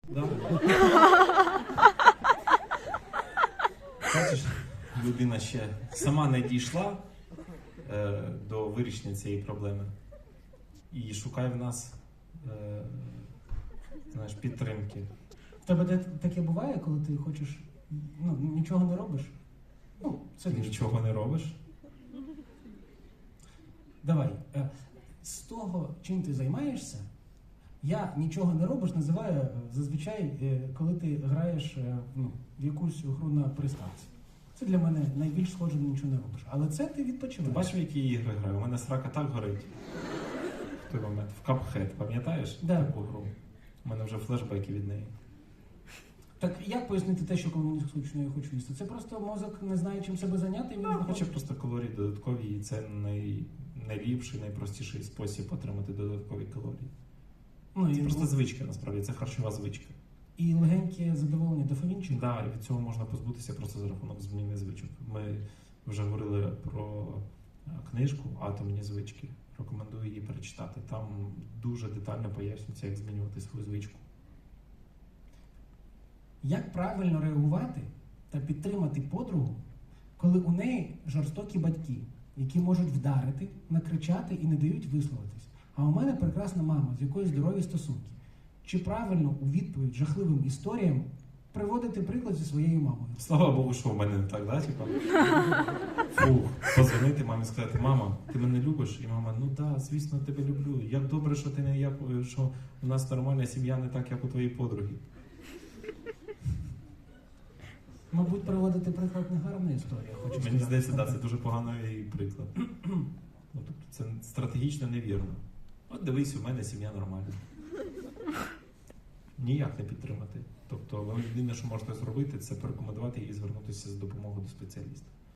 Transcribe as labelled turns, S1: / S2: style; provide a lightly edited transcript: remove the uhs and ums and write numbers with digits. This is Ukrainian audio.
S1: Да. Бачиш, людина ще сама не дійшла до вирішення цієї проблеми і шукає в нас знаєш, підтримки.
S2: В тебе таке буває, коли ти хочеш, нічого не робиш?
S1: Ти нічого не робиш?
S2: Давай, з того, чим ти займаєшся, я нічого не робиш називаю зазвичай, коли ти граєш в якусь гру на приставці. Це для мене найбільш схоже на нічого не робиш. Але це ти відпочиваєш.
S1: Ти бачив, які ігри граю? У мене срака так горить. В той момент. В Cuphead, пам'ятаєш таку гру? У мене вже флешбеки від неї.
S2: Так як пояснити те, що коли мені скучно, я хочу їсти? Це просто мозок не знає, чим себе зайняти.
S1: Він хоче просто калорії додаткові, і це найліпший, найпростіший спосіб отримати додаткові калорії. Це просто звичка, насправді, це харчова звичка.
S2: І легеньке задоволення дофамінчик?
S1: Так, і від цього можна позбутися просто за рахунок зміни звичок. Ми вже говорили про книжку «Атомні звички». Рекомендую її перечитати. Там дуже детально пояснюється, як змінювати свою звичку.
S2: Як правильно реагувати та підтримати подругу, коли у неї жорстокі батьки, які можуть вдарити, накричати і не дають висловитись? А у мене прекрасна мама, з якою здорові стосунки. Чи правильно у відповідь жахливим історіям приводити приклад зі своєю мамою?
S1: Слава Богу, що в мене не так, да? Позвонити мамі і сказати: мама, ти мене любиш? І мама: ну так, звісно, тебе люблю. Як добре, що ти не що у нас нормальна сім'я, не так, як у твоїй подруги.
S2: Мабуть, приводити приклад не гарна історія.
S1: Мені здається, це дуже поганий приклад. Тобто це стратегічно невірно. От дивись, у мене сім'я нормальна. Ніяк не підтримати. Тобто, ви єдине, що можете зробити, це порекомендувати їй звернутися з допомогою до спеціаліста.